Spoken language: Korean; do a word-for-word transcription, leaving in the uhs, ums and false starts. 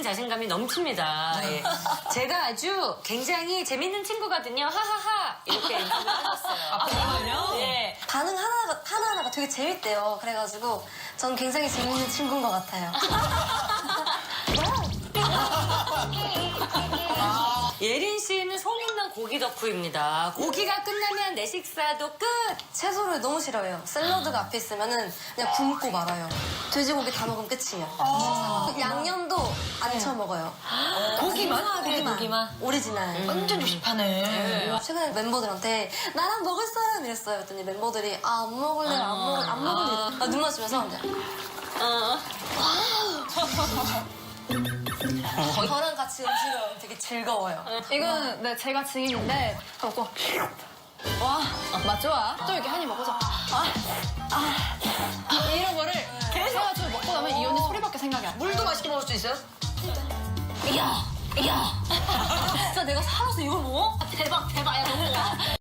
자신감이 넘칩니다. 예. 제가 아주 굉장히 재밌는 친구거든요. 하하하 이렇게 인터뷰를 해줬어요. 아, 정말요? 예. 반응 하나가, 하나하나가 되게 재밌대요. 그래가지고 전 굉장히 재밌는 친구인 것 같아요. 예린 씨는 소문난 고기 덕후입니다. 고기가 끝나면 내 식사도 끝. 채소를 너무 싫어해요. 샐러드가 앞에 있으면은 그냥 굶고 말아요. 돼지고기 다 먹으면 끝이에요. 양념도 안 쳐먹어요. 고기만? 고기만. 고기만? 오리지널. 완전 조심하네. 최근에 멤버들한테 나랑 먹을 사람 이랬어요. 그랬더니 멤버들이 아, 안 먹을래, 안 먹을래, 안 먹을래. 아, 눈 맞추면서 이제 어. 저랑 같이 음식을 먹으면 되게 즐거워요. 이거는 네, 제가 증인인데 먹고 와, 맛 좋아. 또 이렇게 한 입 먹고서 아, 아, 이런 거를 계속 해가지고 먹고 나면 이 언니 소리밖에 생각이 안 나. 물도 맛있게 먹을 수 있어요? 야, 야. 진짜 내가 살아서 이걸 먹어? 대박, 대박. 야, 너무